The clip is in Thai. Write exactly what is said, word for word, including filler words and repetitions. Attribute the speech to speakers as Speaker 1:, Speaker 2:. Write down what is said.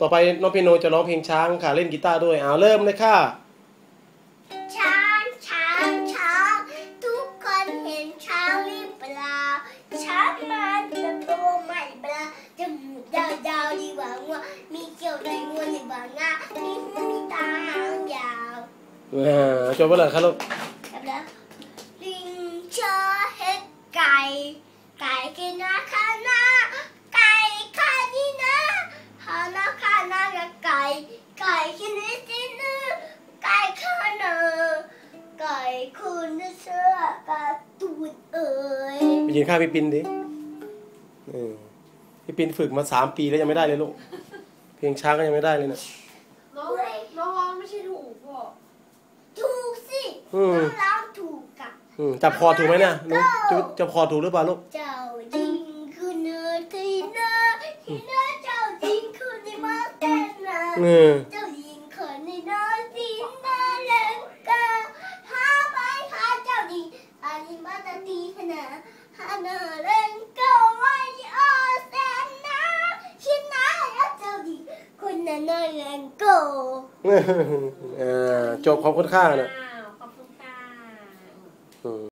Speaker 1: ต่อไปน้องเปียโนจะร้องเพลงช้างค่ะเล่นกีตาร์ด้วยเอาเริ่มเลยค่ะ
Speaker 2: ช้างช้างช้างทุกคนเห็นช้างหรือเปล่าช้างมันจะโตไม่เปล่าจมูกยาวๆดีกว่างัวมีเกี่ยวในงวดีกว่างามีหูมีตาหางยาว
Speaker 1: อ่าจบไปเลยครับลูก
Speaker 2: แล้วลิงเชื่อเห็ดไก่ไก่กินนะข้านาไก่ข้านี่นะข้านาข้านากับไก่ไก่กินนี่สินะไก่ข้านาไก่คุณเสื้อกระตูดเอ๋ย
Speaker 1: ไปยืนข้างพี่ปินดิพี่ปินฝึกมาสามปีแล้วยังไม่ได้เลยลูกเพลงช้างก็ยังไม่ได้เลยนะ
Speaker 2: น้องน้องร้องไม่ใช่ถูกพ่อถูกสิน้องร้องถูกกะ
Speaker 1: จับคอถูกไหมเนี่ยนุ๊กจับคอถูกหรือเปล่าลูก
Speaker 2: เจ้าดิงคือเนื้อที่เนื้อที่เนื้อเจ้าดิงคือในมาเต้นนะเจ้าดิงคือในเนื้อที่เนื้อเล่นกะหาไปหาเจ้าดิงอันนี้มาตะตีขนาดหาเนื้อเล่นก็ไว้ออแสนนะคิดนะเจ้าดิงคุณเนื้อเล่นก็
Speaker 1: จบขอบคุณค่านะ